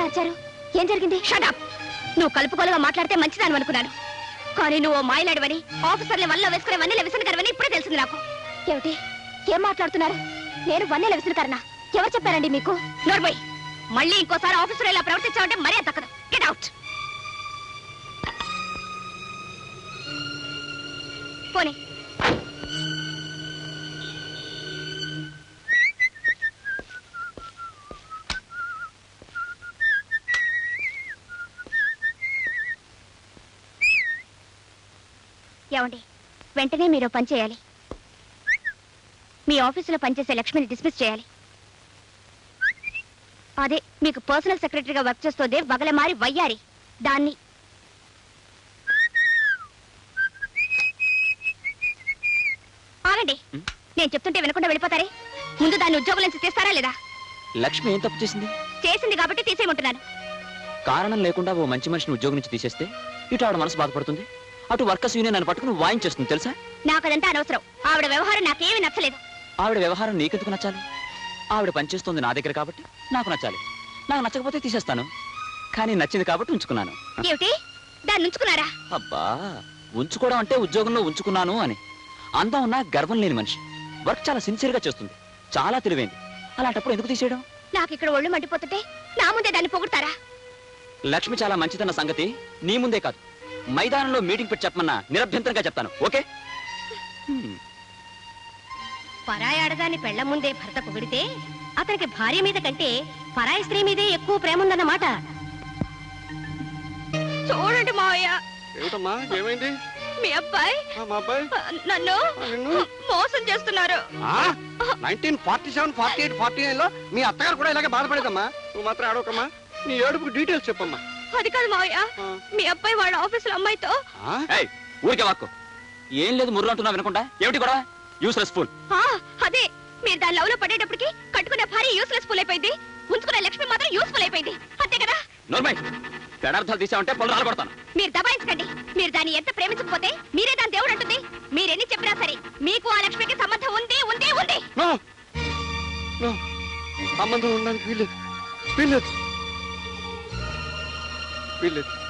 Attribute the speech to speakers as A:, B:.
A: అరిచారు? ఏం జరిగింది?
B: షటప్! నువ్వు కలుపుకోలుగా మాట్లాడితే మంచిదాని అనుకున్నాను, కానీ నువ్వు మాయలాడివని, ఆఫీసర్ని వల్ల వేసుకునే వన్నెల విసనకరవని ఇప్పుడే తెలిసింది నాకు.
A: ఏమిటి? ఏం మాట్లాడుతున్నారు? నేను వన్నెల విసనకరనా? ఎవరు చెప్పారండి మీకు?
B: నోర్మోయ్, మళ్ళీ ఇంకోసారి ఆఫీసర్ ఇలా ప్రవర్తించావంటే మరీ తక్కదు. Get out. పోనీ. ఏమండి, వెంటనే మీరు పని చేయాలి. మీ ఆఫీసులో పనిచేసే లక్ష్మిని డిస్మిస్ చేయాలి. అదే మీకు పర్సనల్ సెక్రటరీగా వర్క్ చేస్తోంది వగలమారి వయ్యారి, దాన్ని. ఆగండి, నేను చెప్తుంటే వినకుండా వెళ్ళిపోతారే. ముందు దాన్ని ఉద్యోగం నుంచి తీస్తారా లేదా?
C: లక్ష్మి ఏం తప్పు చేసింది?
B: చేసింది కాబట్టి తీసేయమంటున్నాను.
C: కారణం లేకుండా ఓ మంచి మనిషిని ఉద్యోగం నుంచి తీసేస్తే ఇటు ఆవిడ మనసు బాధపడుతుంది, అటు వర్కర్స్ యూనియన్ నన్ను పట్టుకుని వాయించేస్తుంది తెలుసా?
B: నాకు అదంతా అనవసరం. ఆవిడ వ్యవహారం నాకేమీ నచ్చలేదు.
C: ఆవిడ వ్యవహారం నీకెందుకు నచ్చాలి? ఆవిడ పనిచేస్తుంది నా దగ్గర కాబట్టి నాకు నచ్చాలి. నాకు నచ్చకపోతే తీసేస్తాను, కానీ నచ్చింది కాబట్టి ఉంచుకున్నాను.
B: ఏమిటి? దాన్ని ఉంచుకున్నారా?
C: అబ్బా, ఉంచుకోవడం అంటే ఉద్యోగంలో ఉంచుకున్నాను అని. అందం ఉన్నా గర్వం లేని మనిషి, వర్క్ చాలా సిన్సియర్ గా చేస్తుంది, చాలా తెలివైంది. అలాంటప్పుడు ఎందుకు తీసేయడం?
B: నాకు ఇక్కడ ఒళ్ళు మండిపోతుంటే నా ముందే దాన్ని పొగుడతారా?
C: లక్ష్మి చాలా మంచిదన్న సంగతి నీ ముందే కాదు, మైదానంలో మీటింగ్ పెట్టి చెప్పమన్నా నిరభ్యంతరంగా చెప్తాను. ఓకే?
B: పరాయి ఆడదాన్ని పెళ్ల ముందే భర్త పొగిడితే అతనికి భార్య మీద కంటే పరాయి స్త్రీ మీదే ఎక్కువ ప్రేమ ఉందన్నమాట. చూడండి మావయ్య.
D: ఏమిటమ్మా, ఏమైంది?
B: మీ అబ్బాయి
D: మా అబ్బాయి
B: నన్ను మోసం చేస్తున్నారు.
D: 1947, 48, 49 లో మీ అత్తగారు కూడా ఇలాగే బాధపడేదమ్మా. నువ్వు మాత్రం ఆడవకమ్మా, నీ ఏడుపుకి డీటెయిల్స్ చెప్పమ్మా.
B: అది కాదు మావయ్య, మీ అబ్బాయి వాళ్ళ ఆఫీసులో అమ్మాయితో.
C: ఊరికే వాక్కు ఏం లేదు, ముర్రు అంటున్నా వినకుండా. ఏమిటి కూడా యూస్లెస్ ఫుల్?
B: అదే, మీరు దాని లవ్ లో పడేటప్పటికి కట్టుకునే భార్య యూస్లెస్ ఫుల్ అయిపోయింది, ఉంచుకునే లక్ష్మి మాత్రం యూస్ఫుల్ అయిపోయింది. అంతే కదా?
C: నోర్మై, పెడార్థాలు తీసామంటే పళ్ళు రాలబడతాను.
B: మీరు దబాయించకండి. మీరు దాన్ని ఎంత ప్రేమించకపోతే మీరే దాని దేవుడు అంటుంది. మీరెన్ని చెప్పినా సరే మీకు ఆ లక్ష్మికి సంబంధం ఉంది ఉంది ఉంది.
D: సంబంధం ఉండడానికి వీల్లేదు, వీల్లేదు, వీల్లేదు.